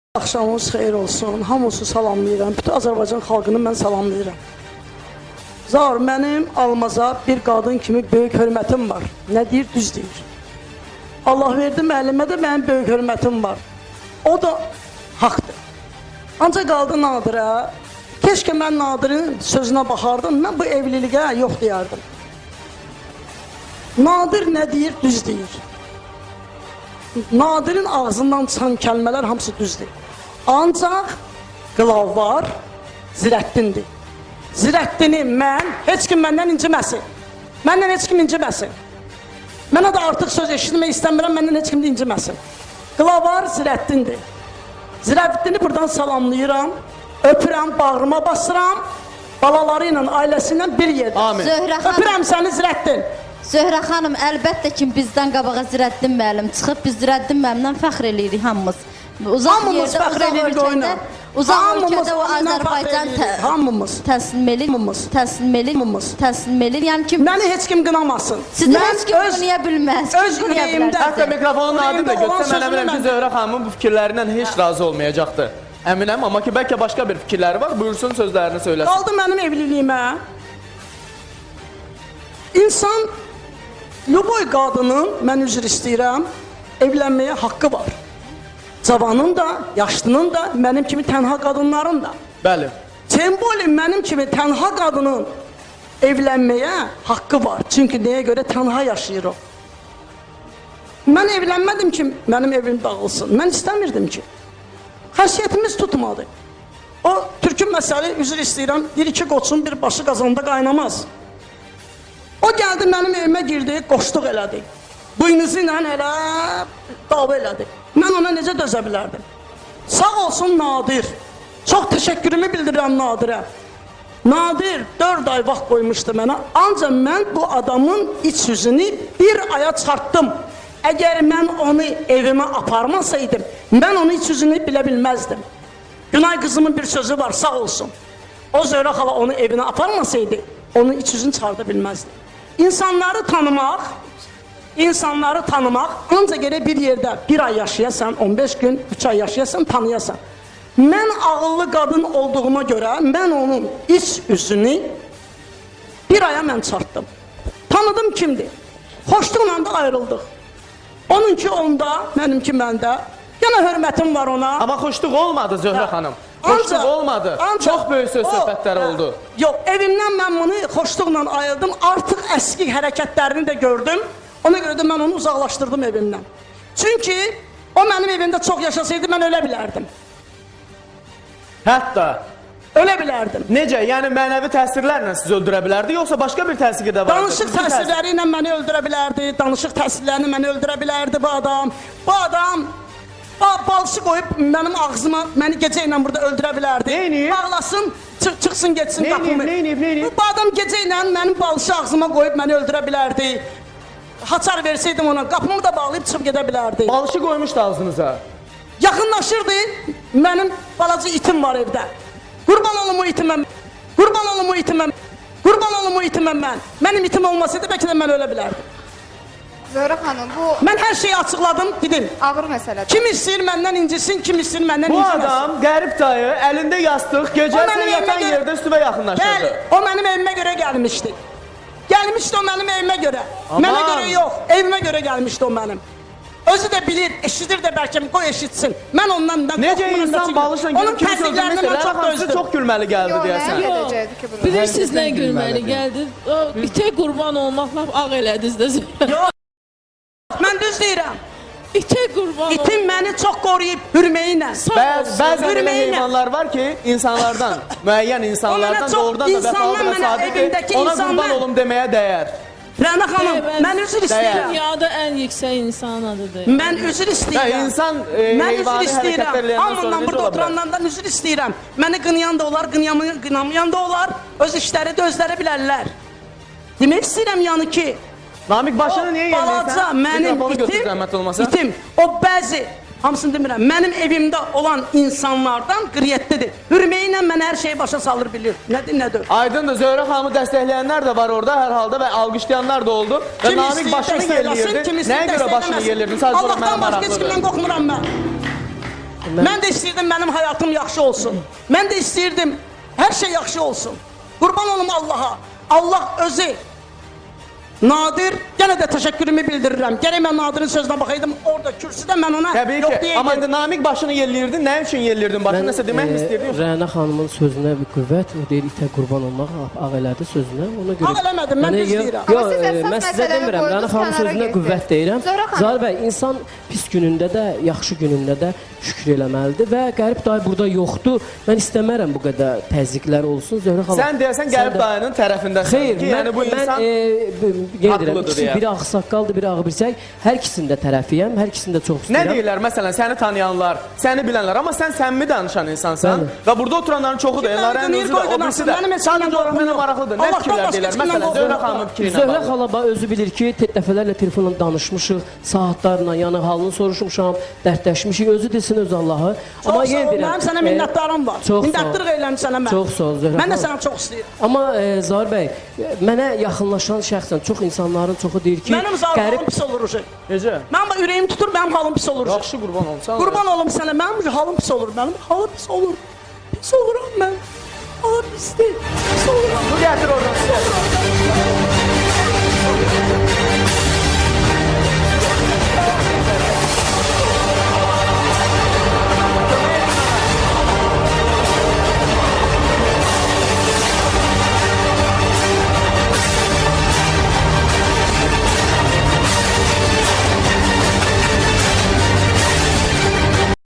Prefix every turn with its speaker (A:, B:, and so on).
A: Axşamınız xeyir olsun. Hamınızı salamlayıram. Bütün Azərbaycan xalqını mən salamlayıram. Zar, mənim Almaza bir qadın kimi böyük hörmətim var. Nə deyir? Düz deyir. Allah verdi müəllimə də mənim böyük hörmətim var. O da haqdır. Ancaq qaldı Nadirə. Keşke mən Nadirin sözünə baxardım. Mən bu evliliyə yox deyərdim. Nadir nə deyir? Düz deyir. Nadirin ağzından çıxan kəlmələr hamısı düzdür. Ancaq qılav var, Zirəddindir. Zirəddini mən, heç kim məndən inciməsin. Məndən heç kim inciməsin. Mənə də artıq söz eşitmək istəmirəm, məndən heç kim də inciməsin. Qılav var, Zirəddindir. Zirəddini buradan salamlayıram, öpürəm, bağrıma basıram, balaları ilə, ailəsi ilə bir yerdə.
B: Amin.
A: Öpürəm səni Zirəddin.
B: Zöhrə xanım, əlbəttə ki, bizdən qabağa Zirəddin müəllim çıxıb, biz Zirəddin müəllimdən fəxr eləyirik hamımız. Uzaq yerdə, uzaq ölkədə o Azərbaycan təslim elir. Yəni ki,
A: məni heç kim qınamasın.
B: Sizi heç kim qınaya bilməz.
A: Öz ürəyimdə.
C: Hətta mikrofonu Nadim də götürsə, mən əminəm ki, Zöhrə xanımın bu fikirlərindən heç razı olmayacaqdır. Əminəm, amma ki, bəlkə başqa bir fikirləri var, buyursun sözlərini söyləsin.
A: Qaldı mənim evliliyimə. İnsan, lüboy qadının, mən üzr istəyirəm, evlənməyə haqqı var. Cavanın da, yaşlının da, mənim kimi tənha qadınların da.
C: Bəli.
A: Sembolin mənim kimi tənha qadının evlənməyə haqqı var. Çünki nəyə görə tənha yaşayır o. Mən evlənmədim ki, mənim evim dağılsın. Mən istəmirdim ki. Xəsiyyətimiz tutmadı. O, türkün məsəli, üzr istəyirəm, bir iki qoçun bir başı qazanda qaynamaz. O gəldi, mənim evimə girdi, qoşluq elədi. Buynuzu ilə elə dava elədi. Mən ona necə dözə bilərdim? Sağ olsun Nadir. Çox təşəkkürümü bildirirəm Nadirə. Nadir 4 ay vaxt qoymuşdu mənə. Ancaq mən bu adamın iç yüzünü bir aya çartdım. Əgər mən onu evimə aparmasaydım, mən onun iç yüzünü bilə bilməzdim. Günay qızımın bir sözü var, sağ olsun. O Zöhrə xala onu evinə aparmasaydı, onun iç yüzünü çıxarda bilməzdi. İnsanları tanımaq, ancaq elə bir yerdə bir ay yaşayasan, 15 gün, 3 ay yaşayasan, tanıyasan. Mən ağıllı qadın olduğuma görə, mən onun iç üzünü bir aya mən çartdım. Tanıdım kimdir? Xoşluqla da ayrıldıq. Onunki onda, mənimki məndə. Yenə hörmətim var ona.
C: Amma xoşluq olmadı Zöhrə xanım. Xoşluq olmadı. Çox böyük söz söhbətləri oldu.
A: Yox, evimdən mən bunu xoşluqla ayırdım. Artıq əski hərəkətlərini də gördüm. Ona görə də mən onu uzaqlaşdırdım evimdən. Çünki o mənim evimdə çox yaşasaydı, mən ölə bilərdim.
C: Hətta?
A: Ölə bilərdim.
C: Necə? Yəni mənəvi təsirlərlə sizi öldürə bilərdi, yoxsa başqa bir təsiri də vardı?
A: Danışıq təsirləri ilə məni öldürə bilərdi. Danışıq təsirlərini məni öldürə bilərdi bu adam. Bu adam balşı qoyub mənim ağzıma, məni gecə ilə burada öldürə bilərdi.
C: Neyniyib?
A: Bağlasın, çıxsın, geçsin qapımı.
C: Neyniyib?
A: Bu adam gecə ilə mənim balşı ağzıma qoyub məni öldürə bilərdi. Haçar verseydim ona, qapımı da bağlayıb çıxıb gedə bilərdi.
C: Balşı qoymuşdu ağzınıza.
A: Yaxınlaşırdı, mənim balaca itim var evdə. Qurban olum o itiməm, qurban olum o itiməm, qurban olum o itiməm mən. Mənim itim olmasaydı, bəlkə də mən ölə bilərdim.
D: Zöhrə xanım, bu...
A: Mən hər şeyi açıqladım, dedim.
D: Ağır məsələdir.
A: Kim istəyir məndən incisin, kim istəyir məndən inciməsin.
C: Bu adam, qərib dayı, əlində yastıq, gecəsi yatan yerdə üstüvə yaxınlaşırdı.
A: Bəli, o mənim evimə görə gəlmişdi. Gəlmişdi o mənim evimə görə. Mənə görə yox, evimə görə gəlmişdi o mənim. Özü də bilir, eşidir də bəlkə, qoy eşitsin. Mən ondan da
C: necə insan balışla
A: onun təsdiqlərini mən çox dözdüm.
C: Çox gülməli gəldi deyəsən.
E: Bilirsiniz nə gülməli gəldi? İtə qurban olmaqla ağ elədiniz də.
A: Yox, mən düz deyirəm.
E: İtə qurban
A: İtim məni çox qoruyub hürməyinə.
C: Bəzi elə heyvanlar var ki, insanlardan, müəyyən insanlardan doğrudan da vəfalı və sadiqdir, ona qurban olum deməyə dəyər.
A: Rəna xanım, mən üzr istəyirəm.
E: Dünyada ən yüksək insan adıdır.
A: Mən üzr istəyirəm.
C: İnsan heyvani hərəkətlər eləyəndən sonra
A: hamından burada oturanlardan üzr istəyirəm. Məni qınayan da olar, qınamayan da olar. Öz işləri də özləri bilərlər. Demək istəyirəm yəni ki,
C: Namik başını niyə
A: balaca mənim itim, o bəzi, hamısını demirəm, mənim evimdə olan insanlardan qriyyətlidir. Hürməyinlə mən hər şeyi başa salır bilir. Nədir, nədir?
C: Aydındır, Zöhrə xanımı dəstəkləyənlər də var orada hər halda və alqışlayanlar da oldu. Və Namik başını yelləyirdi. Nəyə görə başını yelləyirdi?
A: Allahdan başqa heç kimdən qorxmuram mən. Mən də istəyirdim mənim həyatım yaxşı olsun. Mən də istəyirdim hər şey yaxşı olsun. Qurban olum Allaha. Allah özü Nadir, yenə də təşəkkürümü bildirirəm. Gərək mən Nadirin sözünə baxaydım, orada kürsüdə mən ona
C: Təbii
A: yox
C: ki,
A: deyəydim.
C: amma indi Namiq başını yelliyirdin, nə üçün yelliyirdin başını, nəsə demək mi istəyirdin?
F: Rəna xanımın sözünə bir qüvvət, o deyir itə qurban olmaq, ağ elədi sözünə, ona görə...
A: Ağ eləmədim, mən düz deyirəm.
D: Amma siz əsas
F: Mən sizə
D: məsələni
F: demirəm, Rəna
D: qoydunuz,
F: xanımın
D: kənara
F: sözünə
D: getdiniz.
F: qüvvət deyirəm.
D: Zöhrə xanım.
F: Zahir bəy, insan pis günündə də, yaxşı günündə də şükür eləməlidir və Qərib dayı burada yoxdur. Mən istəmərəm bu qədər təzyiqlər olsun. Zöhrə xanım...
C: Sən deyəsən Qərib dayının tərəfindəsən
F: Xeyr,
C: ki, yəni bu insan
F: haqlıdır deyə. Biri ağsaqqaldır, biri ağbirçək. Hər ikisinin də tərəfiyəm, hər ikisini də çox
C: Nə
F: istəyirəm.
C: deyirlər, məsələn, səni tanıyanlar, səni bilənlər, amma sən səmimi danışan insansan və burada oturanların çoxu da, Elnarənin özü də, o birisi də. Sadəcə olaraq mənə maraqlıdır. Nə fikirlər deyirlər? Məsələn, Zöhrə xanımın fikri ilə
F: Zöhrə
C: bağlı.
F: xala özü bilir ki, dəfələrlə telefonla danışmışıq, saatlarla, yəni halını soruşmuşam, dərdləşmişik, özü desin öz Allahı. Amma yenə deyirəm,
A: Mənim sənə minnətdarım var. Minnətdarlıq eyləm sənə mən.
F: Çox sağ ol Zöhrə.
A: Mən də səni çox istəyirəm.
F: Amma Zahir bəy, mənə yaxınlaşan şəxsən çox insanların çoxu deyir ki,
A: Mənim halım pis olur uşaq.
C: Necə?
A: Mənim ürəyim tutur, mənim halım pis olur.
C: Yaxşı qurban olmuşsan.
A: Qurban olum sənə, mənim halım pis olur. Mənim halım pis olur. Pis oluram mən. Halım pisdir. Pis oluram.